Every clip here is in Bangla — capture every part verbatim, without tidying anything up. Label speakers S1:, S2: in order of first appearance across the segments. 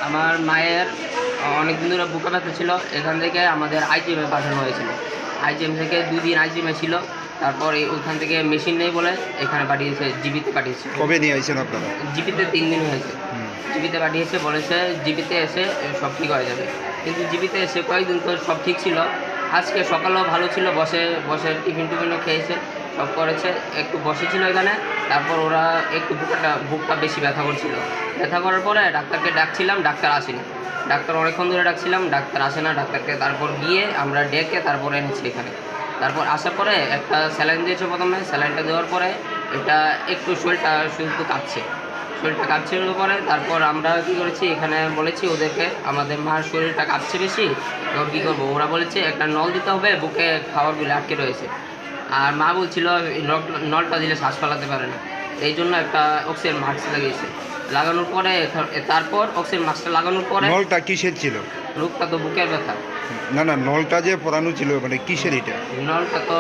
S1: আমার মায়ের অনেক দিন ধরে বুকে ব্যথা ছিল, এখান থেকে আমাদের আইজিএমে পাঠানো হয়েছিল। আইজিএম থেকে দুই দিন আইজিএমে ছিল, তারপর এই ওখান থেকে মেশিন নেই বলে এখানে পাঠিয়েছে, জিবিতে পাঠিয়েছে।
S2: কবে নিয়ে আসছেন আপনারা?
S1: জিবিতে তিন দিন হয়েছে। জিবিতে পাঠিয়েছে, বলেছে জিবিতে এসে সব ঠিক হয়ে যাবে, কিন্তু জিবিতে এসে কয়েকদিন তো সব ঠিক ছিল। আজকে সকালেও ভালো ছিল, বসে বসে টিফিন টিফিনও খেয়েছে, সব করেছে, একটু বসেছিল এখানে। তারপর ওরা একটু বুকটা বুকটা বেশি ব্যথা করছিল। ব্যথা করার পরে ডাক্তারকে ডাকছিলাম, ডাক্তার আসেনি। ডাক্তার অনেকক্ষণ ধরে ডাকছিলাম, ডাক্তার আসে না। ডাক্তারকে তারপর গিয়ে আমরা ডেকে তারপরে এনেছি এখানে। তারপর আসার পরে একটা স্যালাইন দিয়েছে প্রথমে। স্যালাইনটা দেওয়ার পরে এটা একটু শরীরটা শুধু কাঁপছে, শরীরটা কাঁপছিল পরে তারপর আমরা কী করেছি, এখানে বলেছি ওদেরকে আমাদের মার শরীরটা কাঁপছে বেশি, তখন কী করবো, ওরা বলেছে একটা নল দিতে হবে, বুকে খাওয়ারগুলো আটকে রয়েছে। আর মা বলছিল নলটা দিলে শ্বাস ফেলাতে পারে না, এই জন্য একটা অক্সিজেন মাস্ক লাগিয়েছে। লাগানোর পরে তারপর অক্সিজেন মাস্কটা লাগানোর পরে
S2: নলটা কিসের ছিল?
S1: রোগটা তো বুকের ব্যথা।
S2: না না, নলটা যে পরানো ছিল মানে কিসের এটা?
S1: নলটা তো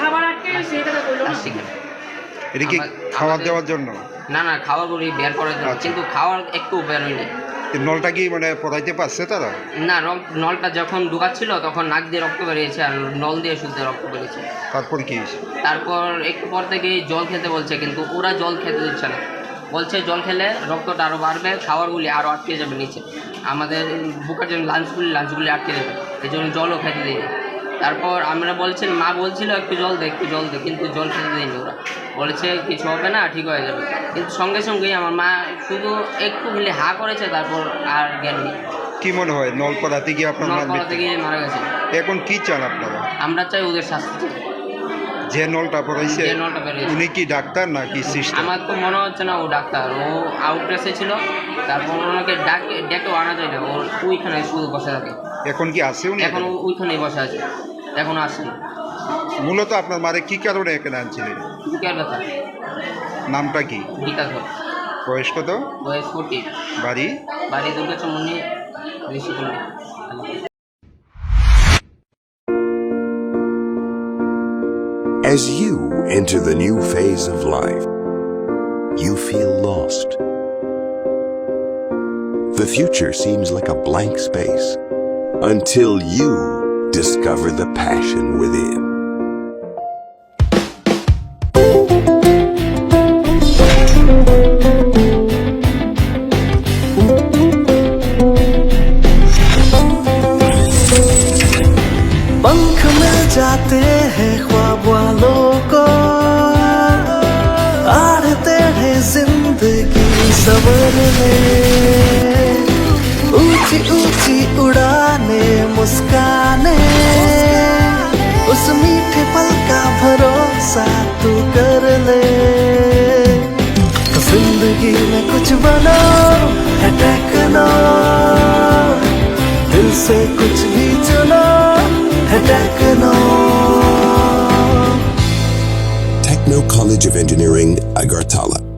S1: প্লাস্টিকের।
S2: এটা কি খাবার দেওয়ার জন্য?
S1: না না, খাওয়ারগুলি বের করার জন্য, কিন্তু খাওয়ার একটু বের হয়নি।
S2: নলটা কি মানে পরাইতে পারছে তারা?
S1: না, নলটা যখন ঢুকাচ্ছিল তখন নাক দিয়ে রক্ত বেরিয়েছে, আর নল দিয়ে শুদ্ধ রক্ত বেরিয়েছে।
S2: তারপর কি?
S1: তারপর একটু পর থেকে জল খেতে বলছে, কিন্তু ওরা জল খেতে দিচ্ছে না, বলছে জল খেলে রক্তটা আরও বাড়বে, খাবারগুলি আরও আটকে যাবে নিচে, আমাদের বুকের জন্য লাঞ্চগুলি লাঞ্চগুলি আটকে যাবে, এই জন্য জলও খেতে দিইনি। তারপর আমরা বলছেন, মা বলছিল একটু জল দে একটু জল দে, কিন্তু জল খেতে দিইনি। ওরা বলেছে কিছু হবে না, ঠিক হয়ে যাবে, কিন্তু সঙ্গে সঙ্গেই আমার মা শুধু একটু খেলে হা করেছে, তারপর আর জ্ঞান নেই।
S2: কি মনে হয় নল পরাতে গিয়ে আপনার
S1: নল পড়াতে গিয়ে মারা গেছে।
S2: এখন কি চান আপনারা?
S1: আমরা চাই ওদের শাস্তি চাই।
S2: যে নলটা পরাইছে
S1: যে নলটা বেরিয়েছে,
S2: উনি কি ডাক্তার নাকি সিস্টার?
S1: আমার তো মনে হচ্ছে না ও ডাক্তার, ও আউটড্রেসে ছিল। তারপর ওনাকে ডাকে ডেকেও আনা যায় না, ওর ওইখানে শুধু বসে থাকে।
S2: এখন কি আছে উনি?
S1: এখন ওইখানেই বসে আছে, এখনও আসেনি।
S2: মূলত আপনার মারে কি কারণে এখানে আনছিলেন?
S1: বুকের ব্যথা।
S2: নামটা কি?
S1: গীতা ধর।
S2: বয়স কত?
S1: বয়স ফোর্টি।
S2: বাড়ি?
S1: বাড়ি Durga চমনি, ঋষিকুণ্ডী।
S3: As you enter the new phase of life, you feel lost. The future seems like a blank space until you discover the passion within.
S4: पंख मिल जाते हैं ख्वाब वालों को, आड़ते हैं जिंदगी सबर में, ऊंची ऊंची उड़ाने मुस्काने, उस मीठे पल का भरोसा तू कर ले। तो जिंदगी में कुछ बनो है टेक्नो, दिल से कुछ भी चुनो है techno.
S3: Techno College of Engineering, Agartala.